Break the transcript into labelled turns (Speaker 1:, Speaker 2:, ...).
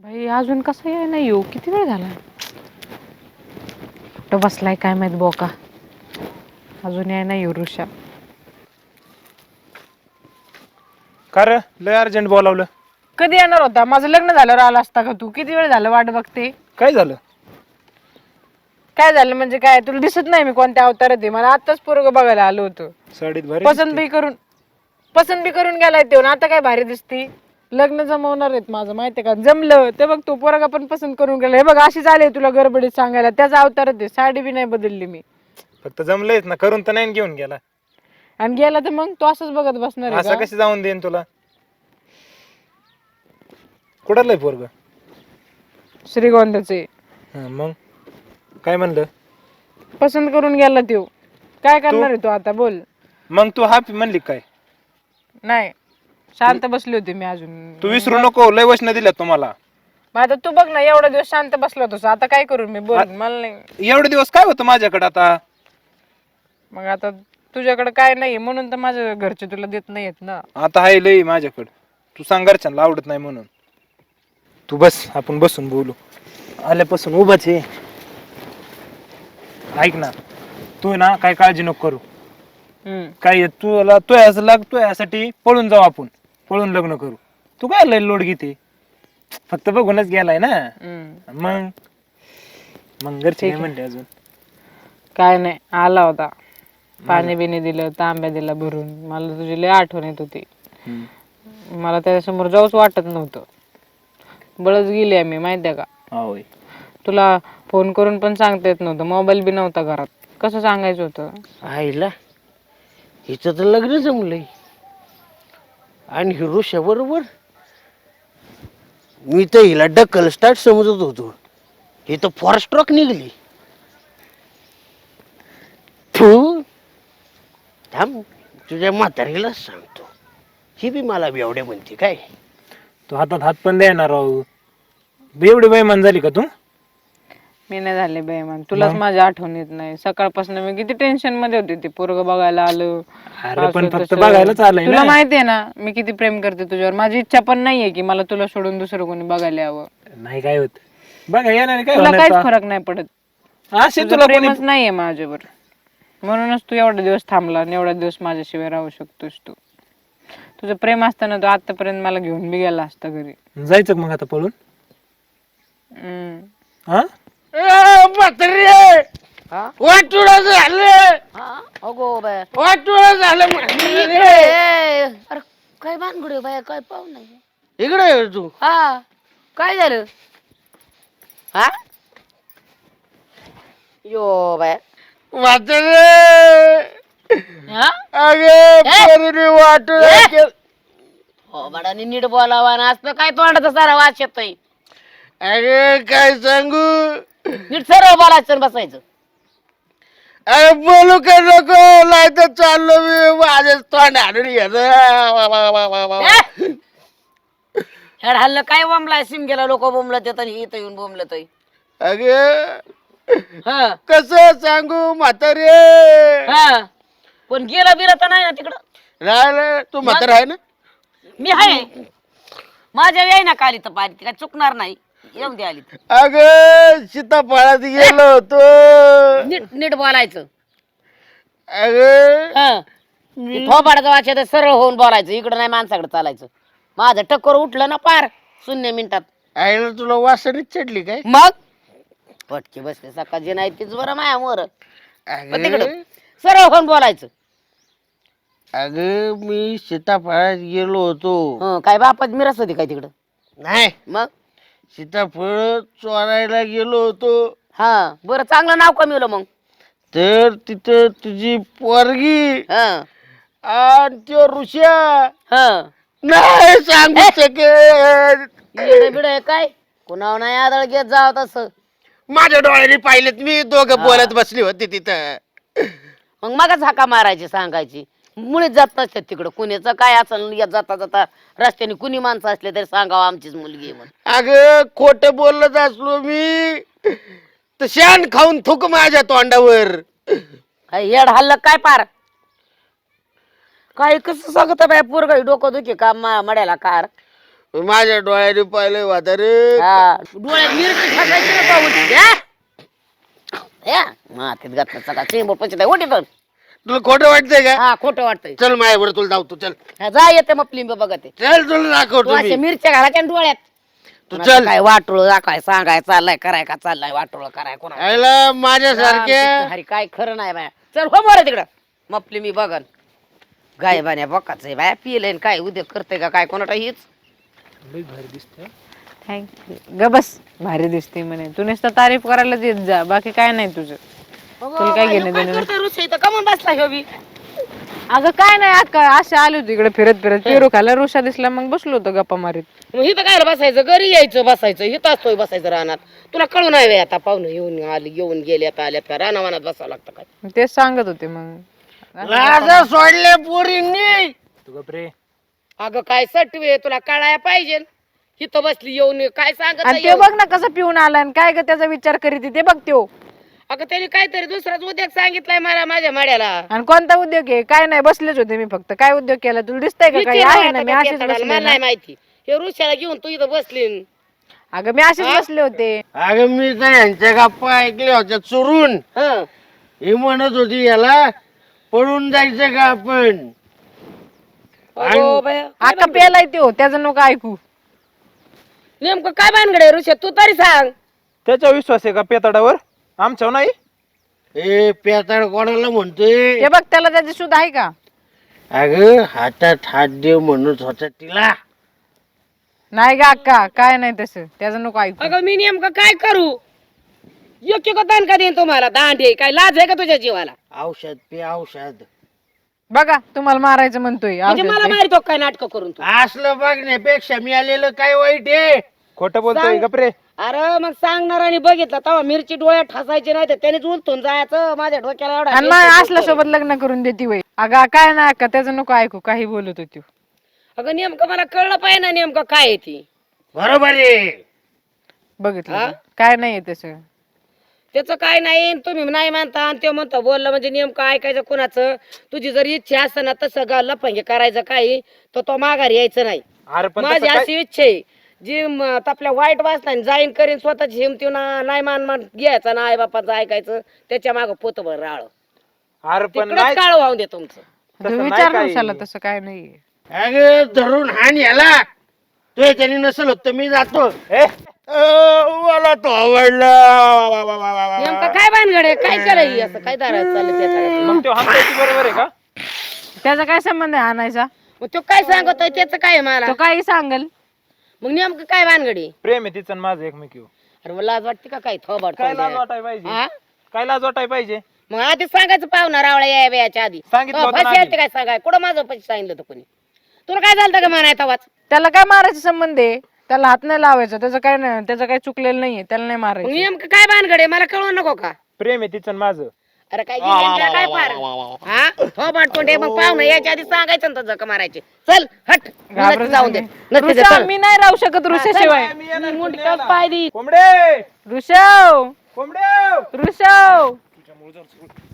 Speaker 1: भाई अजून कसं याय नाही येऊ किती वेळ झाला कुठं बसलाय काय माहित बोका अजून याय नाही येऊ ऋषा
Speaker 2: का रे लय अर्जंट बोलावलं.
Speaker 1: कधी येणार होता माझं लग्न झाल्यावर आला असता का तू किती वेळ झालं वाट बघते
Speaker 2: काय झालं?
Speaker 1: काय झालं म्हणजे काय तुला दिसत नाही मी कोणत्या अवतारात आहे मला आताच पोरग बघायला आलो होतो
Speaker 2: साडीत भारी
Speaker 1: पसंत बी करून गेलाय ते आता काय भारी दिसती लग्न जमवणार आहेत माझं माहितीये का जमलं ते बघ तू पोरगा पण पसंत करून गेला हे बघ अशी झाली तुला गडबडीत सांगायला त्याचा अवतारच आहे साडी बी नाही बदलली मी
Speaker 2: फक्त जमलंयच ना करून तर नाही घेऊन गेला.
Speaker 1: आणि गेला तर मग तू असंच बघत बसणार आहे
Speaker 2: असं
Speaker 1: का?
Speaker 2: कशी जाऊन देईन तुला? कुठलंय पोरग?
Speaker 1: श्रीगोंद्याचे
Speaker 2: मग काय म्हणलं?
Speaker 1: पसंत करून गेला त्यो काय करणार आहे तू आता बोल
Speaker 2: मग तू हा म्हणली काय?
Speaker 1: नाही शांत बसली होती मी अजून
Speaker 2: तू विसरू नको लय वचन दिल्यात तुम्हाला.
Speaker 1: मग आता तू बघ ना एवढा दिवस शांत बसलो होतो आता काय करू मी बोल मला नाही
Speaker 2: एवढे दिवस काय होतं माझ्याकडे आता?
Speaker 1: मग आता तुझ्याकडे काय नाही म्हणून तर माझ्या घरचे तुला देत नाहीयेत ना
Speaker 2: आता आहे लय माझ्याकडे. तू सांग घरच्यांना आवडत नाही म्हणून. तू बस आपण बसून बोलू. आल्यापासून उभाच आहे. ऐक ना तू ना काय काळजी नको करू. काय तुला तो असं लागतोय यासाठी पळून जाऊ आपण पळून लग्न करू. तू काय लय लोड घेते फक्त बघूनच गेलाय ना मग मग घरचे काय म्हणते अजून?
Speaker 1: काय नाही आला होता पाणी बिणी दिलं तांब्या दिला भरून मला तुझी लय आठवण येत होती मला त्याच्यासमोर जाऊच वाटत नव्हतं बळच गेली आम्ही माहितीये का
Speaker 2: होय
Speaker 1: तुला फोन करून पण सांगता येत नव्हतं मोबाईल बी नव्हता घरात कसं सांगायचं होतं
Speaker 3: आईला हिचं तर लग्न जमलंय आणि हिरोशा बरोबर मी तर हिला डक्कल स्टार्ट समजत होतो ही तर फॉरस्ट्रॉक निघली तू थांब तुझ्या म्हातारीलाच सांगतो ही बी मला बेवडे म्हणते काय
Speaker 2: तू हातात हात पण देणार राहू एवढी बेईमान झाली का तू?
Speaker 1: मी नाही झाले बेमान तुलाच माझी आठवण येत नाही सकाळपासून मी किती टेन्शन मध्ये होते ते पोरग बघायला आलं
Speaker 2: अरे पण
Speaker 1: असं
Speaker 2: फक्त
Speaker 1: तसं.
Speaker 2: बघायलाच आलंय
Speaker 1: तुला
Speaker 2: ना.
Speaker 1: माहितीये ना मी किती प्रेम करते तुझ्यावर माझी इच्छा पण नाहीये की मला तुला सोडून दुसरं कोणी बघायला यावं
Speaker 2: नाही काय होत बघा येणार काय
Speaker 1: तुला
Speaker 2: होणार
Speaker 1: काहीच
Speaker 2: आता?
Speaker 1: फरक नाही पडत
Speaker 2: असे
Speaker 1: तुला
Speaker 2: तुला कोणी
Speaker 1: प्रेमच नाहीये माझ्यावर म्हणूनच तू एवढा दिवस थांबला आणि एवढा दिवस माझ्याशिवाय राहू शकतोस तू तुझं प्रेम असताना तू आतापर्यंत मला घेऊन बी गेला असता घरी
Speaker 2: जायचं का मग आता पळून? हा
Speaker 3: म्हातारी वाटुळ झालं
Speaker 4: अगो बाया
Speaker 3: वाटुळ झालं म्हातारी.
Speaker 4: अरे काय भानगड बाया काय पाहू नाही
Speaker 3: इकडे ये तू
Speaker 4: हा काय झालं हा यो बाया
Speaker 3: म्हातारी
Speaker 4: हा?
Speaker 3: अगे वाटुळ
Speaker 4: हो बाडानी नीट बोलावा ना असं काय तोंडाचा सारा वास येतोय
Speaker 3: अगे काय सांगू
Speaker 4: नीट सरळ बोलायचं आणि बसायचं
Speaker 3: अरे बोलू का नको नाही तर चाललो मी माझ्या तोंड हाणून
Speaker 4: हेड हल्लं काय बोंबलाय सिम गेला लोक बोंबलत येत आणि इथं येऊन बोंबलत
Speaker 3: अगे
Speaker 4: हा
Speaker 3: कस सांगू म्हातारे
Speaker 4: हा पण गेला बिला तर नाही ना तिकडं
Speaker 3: राहिलं तू म्हातारा आहे ना
Speaker 4: मी आहे माझ्या याय ना काली तर पारी काय चुकणार नाही येऊन दे आली
Speaker 3: अग सीताफळात गेलो होतो
Speaker 4: नीट नीट बोलायचं
Speaker 3: अग
Speaker 4: थोबाडाचं वाचायचं सरळ होऊन बोलायचं इकडं नाही माणसाकडे चालायचं माझं टक्कर उठलं ना पार 0 मिनिटात
Speaker 3: आईला तुला वासनीच चढली काय
Speaker 4: मग पटके बसले सकाळची नाही तीच बरं माया मोर तिकडं सरळ होऊन बोलायचं
Speaker 3: अग मी सीताफळात गेलो होतो
Speaker 4: हं, काय बापात मिरस होती काय तिकडं
Speaker 3: नाही
Speaker 4: मग
Speaker 3: सीताफळ चोरायला गेलो होतो
Speaker 4: हा बरं चांगलं नाव कमीवलं मग
Speaker 3: तर तिथं तुझी पोरगी
Speaker 4: हं,
Speaker 3: आणि त्यो ऋषा
Speaker 4: हं.
Speaker 3: नाही सांगू शकत
Speaker 4: येडं बिडं आहे काय कुणावर नाही आदळ घेत जाव तसं
Speaker 3: माझ्या डोळ्याने पाहिलेत मी दोघं बोलत बसली होती तिथं
Speaker 4: मग मगच हाका मारायची सांगायची मुळीच जात नसतात तिकडं कुणीचं काय असेल जाता जाता रस्त्याने कुणी माणसं असले तरी सांगावं आमचीच मुलगी आहे म्हणून
Speaker 3: अगं खोट बोलत असलो मी तर शान खाऊन थुक माझ्या तोंडावर
Speaker 4: काय येड हल्लं काय पार काय कसं सांगत बाय पोरग डोकं दुखी का मड्याला कार
Speaker 3: माझ्या डोळ्याने पाहिलंय म्हातारे.
Speaker 4: डोळ्यात मिरची टाकायची ना पाहून या मातीत घातलं सगळा चेंबर पंचत ओटी तर
Speaker 3: तुला खोटं वाटतंय का?
Speaker 4: हा खोटं वाटतंय
Speaker 3: चल माझ्यावर तुला धावतो. चल
Speaker 4: हा, जा येते मग फिल्म बघते
Speaker 3: चल तुला दाखवतो
Speaker 4: अशा
Speaker 3: मी.
Speaker 4: मिरच्या घालायच्या ना डोळ्यात
Speaker 3: तू
Speaker 4: कुणाचं
Speaker 3: चल.
Speaker 4: काय वाटोळ दाखवाय सांगाय चाललाय कराय का चाललाय वाटोळ कराय कोणा
Speaker 3: आयला माझ्यासारख्या
Speaker 4: हरी काय खरं नाही बाया चल हो बरं तिकडं मपली मी बघन गाय बाण्या बकाच आहे बाया पिले काय उद्योग करते का काय कोणाला हीच
Speaker 1: थँक्यू ग बस भारी दिसते म्हणे तू नुसतं तारीफ करायला देत जा बाकी काय नाही तुझं तुला काय घेणं देणं नाही.
Speaker 4: कमून बसला ह्यो बी
Speaker 1: अगं काय नाही अक्का असे आले होते इकडे फिरत फिरत पेरू खायला रुषा दिसला मग बसलो होतो गप्पा मारीत.
Speaker 4: मग इथं काय बसायचं घरी यायचं बसायचं इथं असतोय बसायचं रानात तुला कळू नाही व्हय आता पाहुणे येऊन आले येऊन गेले आता आल्यात का रानावानात बसावं लागतं काय
Speaker 1: तेच सांगत होते मग
Speaker 3: लाजा सोडले पोरींनी.
Speaker 2: तू गप्रे.
Speaker 4: अगं काय सटवे तुला कळाया पाहिजे इथं बसली येऊन काय सांगत
Speaker 1: आणि
Speaker 4: नाही
Speaker 1: ते
Speaker 4: येऊन.
Speaker 1: बघ ना कसं पिऊन आला आणि काय ग त्याचा विचार करीत ते बघ त्यो
Speaker 4: अगं त्यांनी काहीतरी दुसराच उद्योग सांगितलाय मला माझ्या माड्याला
Speaker 1: आणि कोणता उद्योग आहे काय नाही बसलेच होते मी फक्त काय उद्योग केला तुला दिसतंय का काही
Speaker 4: विचार
Speaker 1: आहे ना
Speaker 4: आता
Speaker 1: मी
Speaker 4: त्या
Speaker 1: अशीच
Speaker 4: पेताळाला,
Speaker 1: बसले
Speaker 4: मला
Speaker 1: ना.
Speaker 4: नाही माहिती हे ऋषाला घेऊन तू इथं बसली
Speaker 1: अगं मी अशीच बसले होते.
Speaker 3: अगं मी तर यांच्या गप्पा ऐकल्या होत्या चोरून.
Speaker 4: हं.
Speaker 3: ही म्हणत होती याला पळून जायचं का आपण.
Speaker 4: अगो बाया, काय
Speaker 1: अक्का पेलाय त्यो त्याचं नको ऐकू.
Speaker 4: नेमकं काय भानगड ऋषा तू तरी सांग
Speaker 2: त्याचा विश्वास आहे का पेताडावर आमच्यावर नाही.
Speaker 3: ए पेताळ कोणाला म्हणतोय.
Speaker 1: ते बघ त्याला त्याची सुद्धा आहे का
Speaker 3: अगं हातात हात देव म्हणत होता तिला.
Speaker 1: नाही ग अक्का काय नाही तसं त्याचं नको ऐकू.
Speaker 4: अगं मी नेमकं काय करू योग्य का दान का देईन तुम्हाला दांडे काय लाज आहे का तुझ्या जीवाला
Speaker 3: औषध पे औषध.
Speaker 1: बघा तुम्हाला मारायचं म्हणतोय
Speaker 4: म्हणजे
Speaker 1: औषध
Speaker 4: मला
Speaker 1: ते.
Speaker 4: मारितो काय नाटक करून तू
Speaker 3: असलं बघण्यापेक्षा मिळालेलं काय वाईट आहे.
Speaker 2: खोटं बोलतोय
Speaker 4: सांग.
Speaker 2: गप्रे.
Speaker 4: अरे मग सांगणार आणि बघितलं तेव्हा मिरची डोळ्यात ठसायची नाही तर त्यानेच उलटून जायचं माझ्या डोक्याला एवढा
Speaker 1: आणि
Speaker 4: मिरची
Speaker 1: मग असल्या
Speaker 4: उलटून.
Speaker 1: सोबत लग्न करून देती वय अगं काय ना अक्का त्याचं नको ऐकू काही बोलत होती.
Speaker 4: अगं नेमकं मला कळलं पाहिजे ना नेमकं काय आहे ती
Speaker 3: बरोबर आहे.
Speaker 1: बघितलं
Speaker 4: हा?
Speaker 1: का? काय नाहीये तसं.
Speaker 4: त्याचं काय नाही तुम्ही नाही मानता आणि ते म्हणतो बोललं म्हणजे नेमकं ऐकायचं कोणाचं तुझी जर इच्छा असतं ना तसं लफंगे करायचं काही तर तो माघार यायचं नाही
Speaker 2: अरे पण
Speaker 4: माझी
Speaker 2: तसं काय-
Speaker 4: अशी इच्छा आहे जी आपल्या वाईट वाचता जाईन करीन स्वतःची हिमती नाही मान घ्यायचा ना आई बापाचं ऐकायचं त्याच्या मागं पोतभर राळ
Speaker 2: अरे पण
Speaker 4: तिकडच
Speaker 2: नाही
Speaker 4: काळ वाहून दे तुमचं
Speaker 2: तसं
Speaker 1: तू
Speaker 2: नाही
Speaker 1: विचार
Speaker 2: काही.
Speaker 1: कशाला तसं काय नाहीये.
Speaker 3: अगं धरून हाण याला. तो त्याने नसेल होत तर मी जातो.
Speaker 2: ए,
Speaker 3: मला तो आवडला.
Speaker 4: नेमकं काय भानगड आहे काय केलं ही असं काय दारात चाललं त्या
Speaker 2: मग तो हाताची बरोबर आहे का.
Speaker 1: त्याचा काय संबंध आहे आणायचा
Speaker 4: मग तो काय सांगतोय त्याचं काय आहे मला
Speaker 1: तो काही सांगल.
Speaker 4: मग नेमकं काय भानगडी
Speaker 2: प्रेम आहे तिचं आणि माझं एकमेकीवर.
Speaker 4: अरे मला लाज वाटते का काय थोबाड
Speaker 2: काय लाज
Speaker 4: तोंड्या?
Speaker 2: वाटाय पाहिजे
Speaker 4: हा?
Speaker 2: काय लाज वाटाय पाहिजे.
Speaker 4: मग आधी सांगायचं पाहुणा रावळा या वेळाच्या आधी
Speaker 2: सांगितलं होतं ना
Speaker 4: पैसे
Speaker 2: आधी.
Speaker 4: काय सांगाय कुठं माझं पैसे सांगितलं होतं कोणी तुला काय झालं का म्हणाय तवाच
Speaker 1: त्याला काय मारायचा संबंध आहे त्याला हात नाही लावायचा त्याचं काय नाही त्याचं काही चुकलेलं नाहीये त्याला नाही
Speaker 4: मग
Speaker 1: मारायचं.
Speaker 4: नेमकं काय भानगड आहे मला कळवू नको का
Speaker 2: प्रेम आहे तिचं आणि माझं.
Speaker 4: अरे काय जिंकण्याला काय फार हा थोबाड तोंडे मग पाहुणा याच्या आधी सांगायचं ना जका मारायचे चल हट
Speaker 1: घाबरत
Speaker 4: जाऊन दे
Speaker 1: नाही.
Speaker 4: नसते
Speaker 1: ऋषा,
Speaker 4: चल.
Speaker 1: मी नाही राहू शकत ऋषाशिवाय.
Speaker 4: मी मुंडक्यात पाय दी
Speaker 2: कोंबडे
Speaker 1: ऋषव
Speaker 2: कोंबडे
Speaker 1: ऋषव